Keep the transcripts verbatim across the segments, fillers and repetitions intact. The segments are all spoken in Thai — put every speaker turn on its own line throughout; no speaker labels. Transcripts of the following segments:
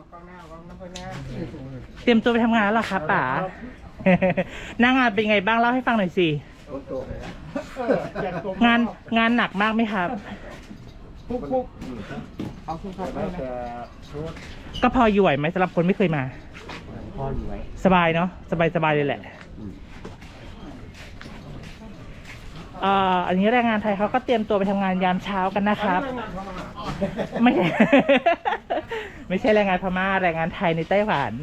เตรียมตัวไปทำงานแล้วเหรอคะป๋าหน้างานเป็นไงบ้างเล่าให้ฟังหน่อยสิงานงานหนักมากไหมครับก็พออยู่ไหวไหมสำหรับคนไม่เคยมาพออยู่ไหวสบายเนาะสบายสบายเลยแหละอ่าอันนี้แรงงานไทยเขาก็เตรียมตัวไปทำงานยามเช้ากันนะครับไม่ ไม่ใช่แรงงานพม่าแรงงานไทยในไต้หวัน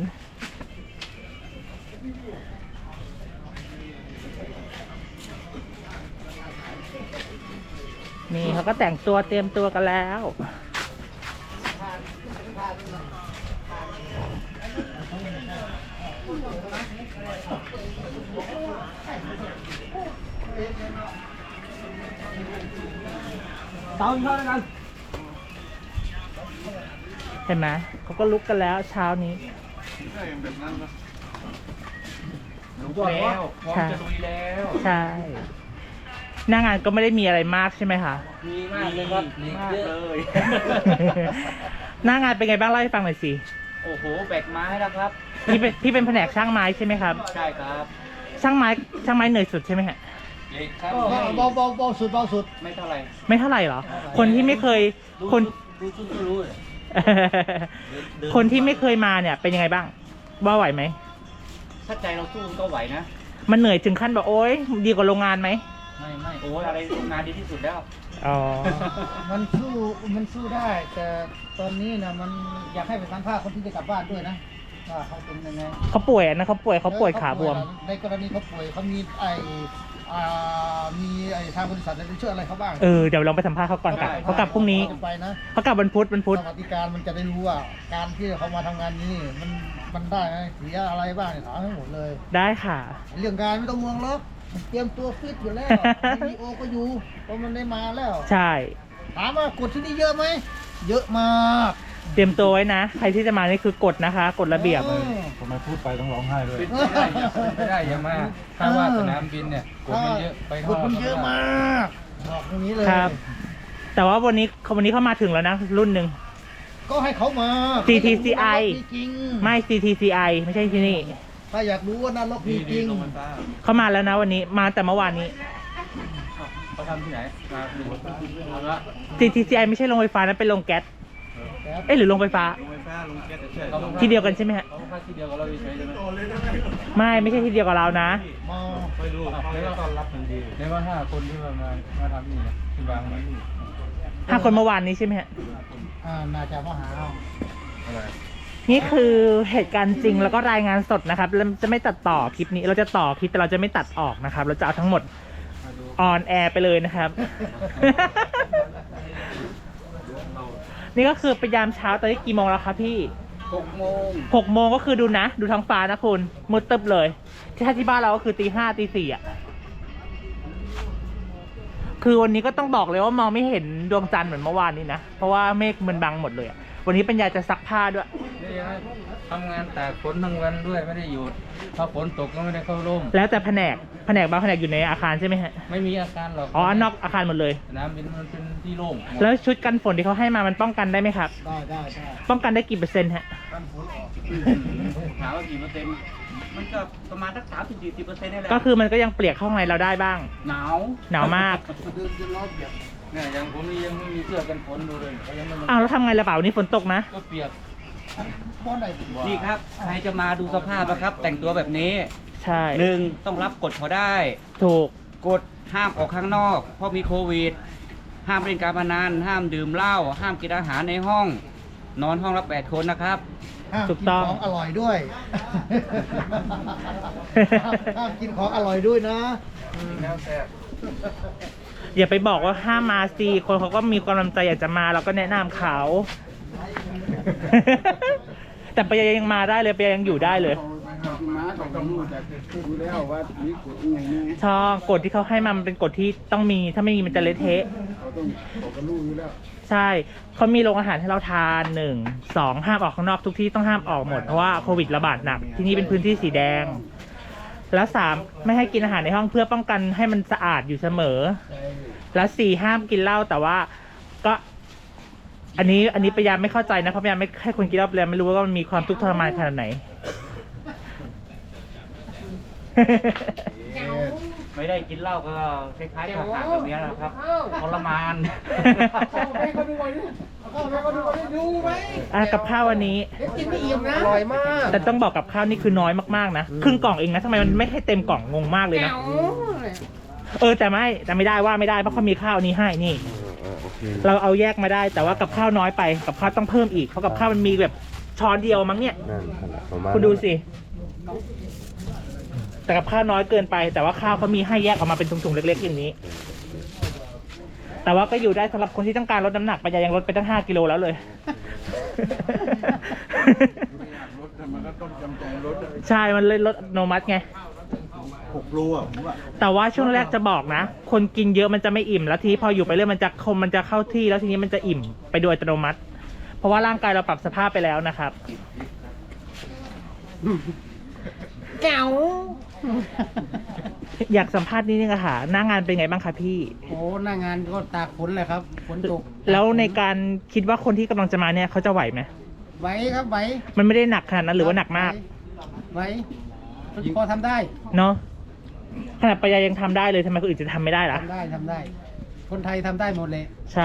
นี่เขาก็แต่งตัวเตรียมตัวกันแล้วเต้าเท่ากันเห็นไหมเขาก็ลุกกันแล้วเช้านี้
ลุกแล้วพร้อมจะลุยแล้ว
ใช่หน้างานก็ไม่ได้มีอะไรมากใช่ไหมคะ
มีมากเลยครับมีเยอะเลย
หน้างานเป็นไงบ้างเล่าให้ฟังหน่อยสิ
โอ้โหแบกไม้แล้วครับ
พี่เป็นพี่เป็นแผนกช่างไม้ใช่ไหมครับ
ใช่ครับ
ช่างไม้ช่างไม้เหนื่อยสุดใช่ไหมฮะ
เบาเบาเบาสุดเบาสุด
ไม่เท่าไหร่
ไม่เท่าไหร่หรอคนที่ไม่เคยคน
รู้ชุดก็รู้เลย
คนที่ไม่เคยมาเนี่ยเป็นยังไงบ้างว่าไหวไหม
ถ้าใจเราสู้ก็ไหวนะ
มันเหนื่อยถึงขั้นแบบโอ๊ยดีกว่าโรงงานไหม
ไม่ไม่โอ้ยอะไรโรงงานดีที่สุดแล้ว
อ๋อ
มันสู้มันสู้ได้แต่ตอนนี้นะมันอยากให้ไปสัมภาษณ์คนที่จะกลับบ้านด้วยนะว่าเขาเป็นยังไง
เขาป่วยนะเขาป่วยเขาป่วยขาบวม
ในกรณีเขาป่วยเขามีไอมีไอทางบริษัทจะช่วยอะไรเขาบ้าง
เออเดี๋ยวลองไปสัมภาษณ์เขาก่อนกลับเขากลับพรุ่งนี้
ไปนะ
เขากลับวันพุธวันพุธ
สวัสดิการมันจะได้รู้ว่าการที่เขามาทำงานนี้มันมันได้ไหมเสียอะไรบ้างเนี่ยถามให้หมดเลย
ได้ค่ะ
เรื่องการไม่ต้องห่วงหรอกเตรียมตัวฟิตอยู่แล้วมีโอก็อยู่เพราะมันได้มาแล้ว
ใช่
ถามว่ากฎที่นี่เยอะไหมเยอะมาก
เตรียมตัวไว้นะใครที่จะมานี่คือกฎนะคะกฎระเบียบ
ผมไม่พูดไปต้องร้องไห้ด้วย
ไม่ได้ยังมาถ้าว่าสนามบินเนี่ยกฎมันเยอะไป
กฎมันเยอะมากบอกตรงนี้เลย
ครับแต่ว่าวันนี้วันนี้เขามาถึงแล้วนะรุ่นหนึ่ง
ก็ให้เขามา
ซี ที ซี ไอ ไม่ ซี ที ซี ไอ ไม่ใช่ที่นี่
ถ้าอยากรู้ว่านรกมีจริง
เขามาแล้วนะวันนี้มาแต่เมื่อวานนี้
เขาทำที่ไหนมาดูว่า
ซี ที ซี ไอ ไม่ใช่โรงไฟฟ้านะเป็นโรงแก๊สเอ๊ะหรือโรงไฟฟ้า
โรงไฟฟ้าโรงแก๊สใช่
ที่เดียวกันใช่ไหมฮะ
เขาค่าที่เดียวกับเราใช่ไหม
ไม่ไม่ใช่ที่เดียวกับเรานะ
มา
ไปดูเขาต้อนรับทันทีในว่าห้าคนที่มามาทำนี่นะที่วางมานี่
ห้าคนเมื่อวานนี้ใช่ไหมฮะ
อ่าน่าจะมาหา
อะไร
นี่คือเหตุการณ์จริงแล้วก็รายงานสดนะครับเราจะไม่ตัดต่อคลิปนี้เราจะต่อคลิปแต่เราจะไม่ตัดออกนะครับเราจะเอาทั้งหมดออนแอร์ไปเลยนะครับ นี่ก็คือไปยามเช้าตอนนี้กี่โมงแล้วครับพี่
หกโมง
หกโมงก็คือดูนะดูท้องฟ้านะคุณมืดตึ๊บเลยที่ที่บ้านเราก็คือตีห้าตีสี่อ่ะคือวันนี้ก็ต้องบอกเลยว่ามองไม่เห็นดวงจันทร์เหมือนเมื่อวานนี้นะเพราะว่าเมฆมันบังหมดเลยอ่ะวันนี้ปัญญาจะซักผ้าด้วย
ทำงานตากฝนทั้งวันด้วยไม่ได้หยุดถ้าฝนตกก็ไม่ได้เข้าร่ม
แล้วแต่แผนกแผนกบางแผนกอยู่ในอาคารใช่ไหมฮะ
ไม่มีอาคารหรอก
อ๋อนอกอาคารหมดเลย
สนามบินมันเป็นที่โล่ง
แล้วชุดกันฝนที่เขาให้มามันป้องกันได้ไหมครับ
ได้ได้ได้
ป้องกันได้กี่เปอร์เซ็นต์ฮะ
ถามว่ากี่เปอร์เซ็นต์มันก็ประมาณสักสามสิบสี่สิบเปอร์เซ็นต์นี่แหละ
ก็คือมันก็ยังเปียกเข้าในเราได้บ้าง
หนาว
หนาวมาก
เนี่ยยังผมนี่ยังไม่มีเสื้อกันฝนดูเลยยังไม่
อ้าวแล้วทำไงล่ะเปล่านี่ฝนตกนะ
ก็เปียกนี่ครับใครจะมาดูสภาพนะครับแต่งตัวแบบนี้
ใช่
หนึ่งต้องรับกฎเขาได้
ถูก
กฎห้ามออกข้างนอกเพราะมีโควิดห้ามเล่นการพนันห้ามดื่มเหล้าห้ามกินอาหารในห้องนอนห้องละแปดคนนะครับ
ถูกต้องของอร่อยด้วยห้ามกินของอร่อยด้วยนะ
อย่าไปบอกว่าห้ามมาสิคนเขาก็มีความมั่นใจอยากจะมาเราก็แนะนำเขาแต่ปยายังมาได้เลยปยายังอยู่ได้เลยช่องกฎที่เขาให้มามันเป็นกฎที่ต้องมีถ้าไม่มีมันจะเละเทะใช่เขามีโรงอาหารให้เราทานหนึ่งสองห้ามออกข้างนอกทุกที่ต้องห้ามออกหมดเพราะว่าโควิดระบาดหนักที่นี่เป็นพื้นที่สีแดงแล้วสามไม่ให้กินอาหารในห้องเพื่อป้องกันให้มันสะอาดอยู่เสมอแล้วสี่ห้ามกินเหล้าแต่ว่าก็อันนี้อันนี้ปยาไม่เข้าใจนะเพราะปยาไม่ให้คนกินเหล้าปยาไม่รู้ว่ามันมีความทุกข์ทรมานขนาดไหน
ไม่ได้กินเหล้าก็คล้ายๆกับขาดแบบนี้นะครับทรมาน
ให้เขาดูไว้ดิเอาเข้าไปเขาดูไว้ดิดูไหม
อ่ะกับข้าววันนี้
เดี๋ยวกินไม่อิ่มนะอร่อยมาก
แต่ต้องบอกกับข้าวนี่คือน้อยมากๆนะครึ่งกล่องเองนะทำไมมันไม่ให้เต็มกล่องงงมากเลยนะเออแต่ไม่แต่ไม่ได้ว่าไม่ได้เพราะเขามีข้าวนี้ให้นี่ เราเอาแยกมาได้แต่ว่ากับข้าวน้อยไปกับข้าวต้องเพิ่มอีกเพราะกับข้าวมันมีแบบช้อนเดียวมั้งเนี่ย
นั่นขนาดประมาณ
คุณดูสิแต่กับข้าวน้อยเกินไป แต่ว่าข้าวเขามีให้แยกออกมาเป็นถุงๆเล็กๆอย่างนี้ แต่ว่าก็อยู่ได้สำหรับคนที่ต้องการลดน้ำหนักไปยังลดไปตั้งห้ากิโลแล้วเลย
รถมันก็ต้องจำใจรถ
ใช่ มันเลยลดอัตโนมัติไง
หกโลอ่ะผมว่า
แต่ว่าช่วงแรกจะบอกนะ คนกินเยอะมันจะไม่อิ่ม แล้วทีนี้พออยู่ไปเรื่อยมันจะคมมันจะเข้าที่แล้วทีนี้มันจะอิ่มไปโดยอัตโนมัติ เพราะว่าร่างกายเราปรับสภาพไปแล้วนะครับ
แก้ว
อยากสัมภาษณ์นิดนึงอะค่ะหน้างานเป็นไงบ้างคะพี่
โอ้หน้างานก็ตากฝนเลยครับฝนตก
แล้วในการคิดว่าคนที่กำลังจะมาเนี่ยเขาจะไหวไหม
ไหวครับไหว
มันไม่ได้หนักขนาดนั้นหรือว่าหนักมาก
ไหวพอทำได้
เนาะขนาดปยายังทำได้เลยทำไมคนอื่นจะทำไม่ได้ล่ะ
ทำได้ทำได้ คนไทยทำได้หมดเลย
ใช่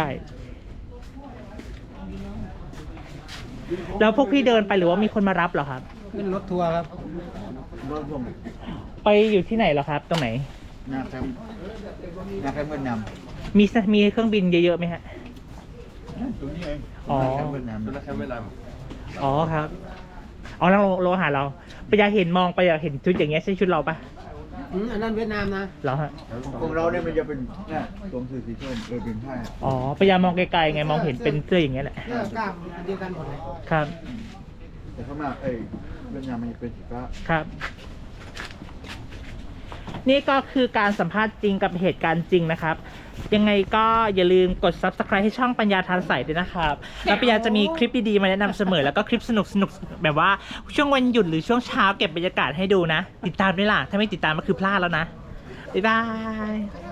แล้วพวกพี่เดินไปหรือว่ามีคนมารับเหรอครับ
ขึ้นรถทัวร์ครับ
รถผม
ไปอยู่ที่ไหนเหรอครับ ตรงไหน
งานแคมป์งานแคมป์เวียดนาม
มีสมีเครื่องบินเยอะๆไหมฮะ
ตรงนี้เอง
อ๋อ
งานแคมป์เวียดนามแคมป์เวียดนาม
อ๋อครับ อ๋อนั่งโลหะเราปยาเห็นมองไปอยากเห็นชุดอย่างเงี้ยใช่ชุดเราปะ
อืมอันนั้นเวียดนามนะ
เหรอฮะ
ของเราเนี่ยมันจะเป็นเนี่ยตรงสีสีส้มเออเป็นผ้า
อ๋อปยามองไกลๆไงมองเห็นเป็นเสื้ออย่างเงี้ยแหละ
เสื้อกล้ามอันเดียวกันหมดเลย
ครับ
แต่ข้างหน้าเอ้ยเวียดนามมันจะเป็นสีฟ้า
ครับ นี่ก็คือการสัมภาษณ์จริงกับเหตุการณ์จริงนะครับ ยังไงก็อย่าลืมกด ซับสไครบ์ ให้ช่องปัญญาทานใสด้วยนะครับ แล้วปัญญาจะมีคลิปดีๆมาแนะนำเสมอ แล้วก็คลิปสนุกๆแบบว่าช่วงวันหยุดหรือช่วงเช้าเก็บบรรยากาศให้ดูนะ ติดตามด้วยล่ะ ถ้าไม่ติดตามก็คือพลาดแล้วนะ บ๊ายบาย